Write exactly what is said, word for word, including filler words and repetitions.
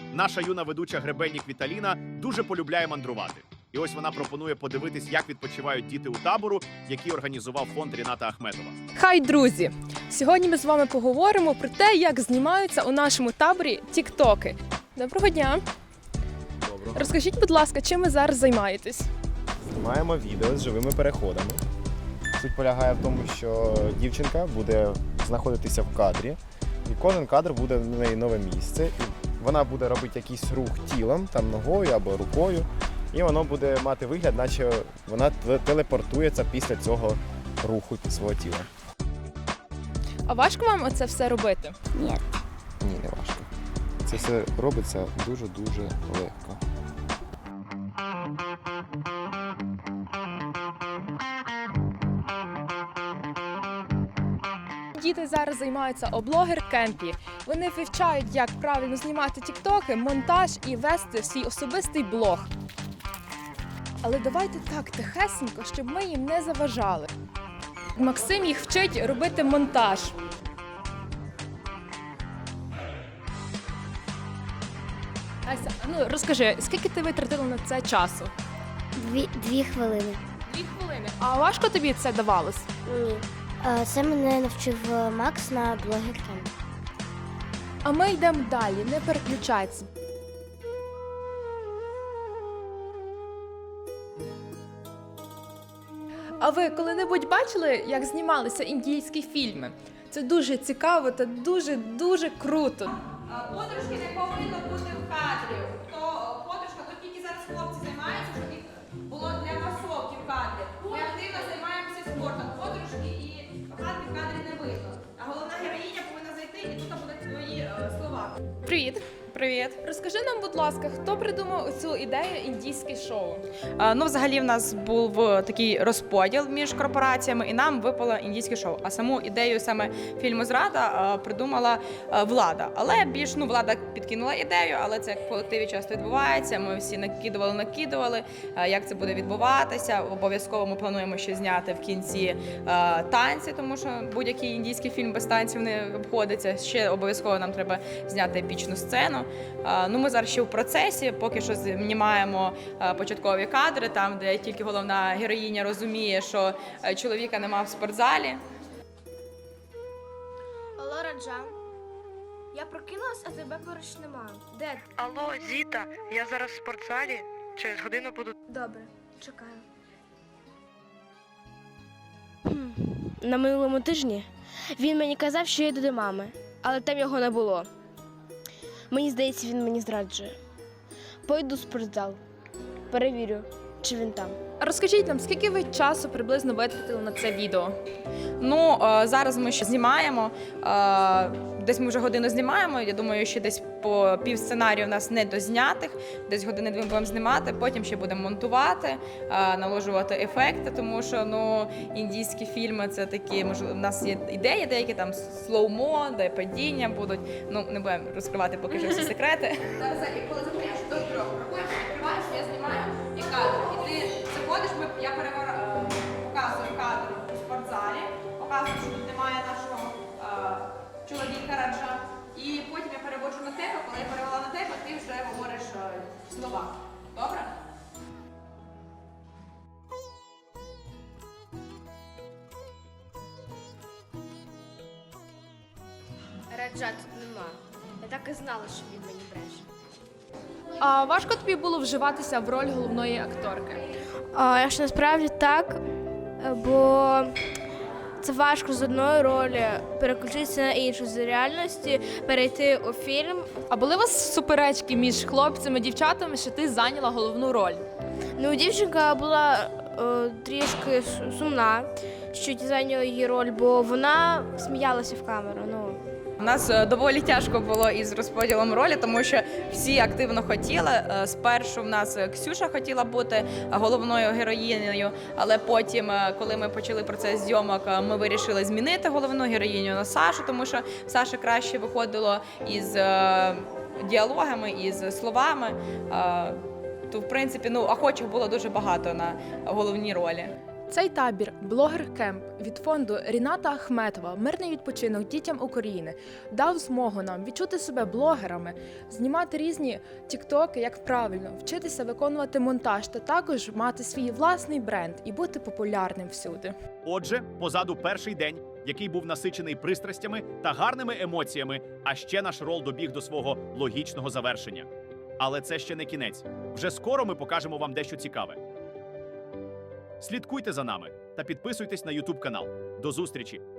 Наша юна ведуча Гребенник Віталіна дуже полюбляє мандрувати. І ось вона пропонує подивитись, як відпочивають діти у табору, який організував фонд Ріната Ахметова. Хай, друзі! Сьогодні ми з вами поговоримо про те, як знімаються у нашому таборі тіктоки. Доброго дня! Доброго. Розкажіть, будь ласка, чим ви зараз займаєтесь? Знімаємо відео з живими переходами. Суть полягає в тому, що дівчинка буде знаходитися в кадрі, і кожен кадр буде в неї нове місце. І вона буде робити якийсь рух тілом, там ногою або рукою, і воно буде мати вигляд, наче вона телепортується після цього руху свого тіла. А важко вам оце все робити? Ні. Ні, не важко. Це все робиться дуже-дуже легко. Діти зараз займаються у блогер-кемпі. Вони вивчають, як правильно знімати тіктоки, монтаж і вести свій особистий блог. Але давайте так тихесенько, щоб ми їм не заважали. Максим їх вчить робити монтаж. Ася, ну розкажи, скільки ти витратила на це часу? Дві, дві хвилини. Дві хвилини. А важко тобі це давалось? Ні. Е, Це мене навчив е, Макс на блогер-кемпі. А ми йдемо далі, не переключайся. А ви коли-небудь бачили, як знімалися індійські фільми? Це дуже цікаво та дуже-дуже круто. Подружки не повинно бути в кадрі. Хто подружка, то тільки зараз хлопці займаються, щоб їх було для масовки в кадрі. Ми активно займаємося спортом. Подружки і коханки в кадрі не видно. А головна героїня повинна зайти і тут будуть твої е, слова. Привіт! Привіт. Розкажи нам, будь ласка, хто придумав цю ідею індійське шоу? А, Ну, взагалі, в нас був такий розподіл між корпораціями, і нам випало індійське шоу. А саму ідею саме фільму «Зрада» а, придумала а, влада. Але більш ну влада підкинула ідею, але це в колективі часто відбувається. Ми всі накидували, накидували, а, як це буде відбуватися. Обов'язково ми плануємо ще зняти в кінці а, танці, тому що будь-який індійський фільм без танців не обходиться. Ще обов'язково нам треба зняти епічну сцену. Ну, ми зараз ще в процесі, поки що знімаємо початкові кадри, там, де тільки головна героїня розуміє, що чоловіка нема в спортзалі. Алло, Раджа. Я прокинулась, а тебе поруч нема. Де ти? Алло, Зіта, я зараз в спортзалі. Через годину буду. Добре, чекаю. На минулому тижні він мені казав, що я йду до мами, але там його не було. Мені здається, він мені зраджує. Пойду в спортзал, перевірю, чи він там. А розкажіть нам, скільки ви часу приблизно витратили на це відео? Ну, е, зараз ми ще знімаємо, е, десь ми вже годину знімаємо, я думаю, ще десь по пів сценарію у нас не дознятих, десь години дві будемо знімати, потім ще будемо монтувати, е, наложувати ефекти, тому що ну, індійські фільми це такі, можливо, у нас є ідеї деякі, там слоумо, де падіння будуть, ну, не будемо розкривати поки що всі секрети. Зараз коли закриєш до трьох, рахуєш, відкриваєш, я знімаю і кадр. І ти заходиш, ми, я перевор, е, показую кадр у спортзалі, показую, що тут немає нашого е, чоловіка Раджа. І потім я переводжу на тебе, коли я перевела на тебе, ти вже говориш е, слова. Добре? Раджа тут нема. Я так і знала, що він мені бреше. А важко тобі було вживатися в роль головної акторки? А, якщо насправді так, бо це важко з одної ролі переключитися на іншу, з реальності перейти у фільм. А були у вас суперечки між хлопцями і дівчатами, що ти зайняла головну роль? Ну, дівчинка була е, трішки сумна, що ті зайняли її роль, бо вона сміялася в камеру. Ну. У нас е, доволі тяжко було із розподілом ролі, тому що всі активно хотіли. Е, Спершу в нас Ксюша хотіла бути головною героїнею, але потім, е, коли ми почали процес зйомок, е, ми вирішили змінити головну героїню на Сашу, тому що Саша краще виходило із е, діалогами, із словами. Е, То, в принципі, ну, охочих було дуже багато на головні ролі. Цей табір блогер кемп від фонду Ріната Ахметова Мирний відпочинок дітям України дав змогу нам відчути себе блогерами, знімати різні тіктоки, як правильно, вчитися виконувати монтаж та також мати свій власний бренд і бути популярним всюди. Отже, позаду перший день, який був насичений пристрастями та гарними емоціями, а ще наш рол добіг до свого логічного завершення. Але це ще не кінець. Вже скоро ми покажемо вам дещо цікаве. Слідкуйте за нами та підписуйтесь на ютуб канал. До зустрічі!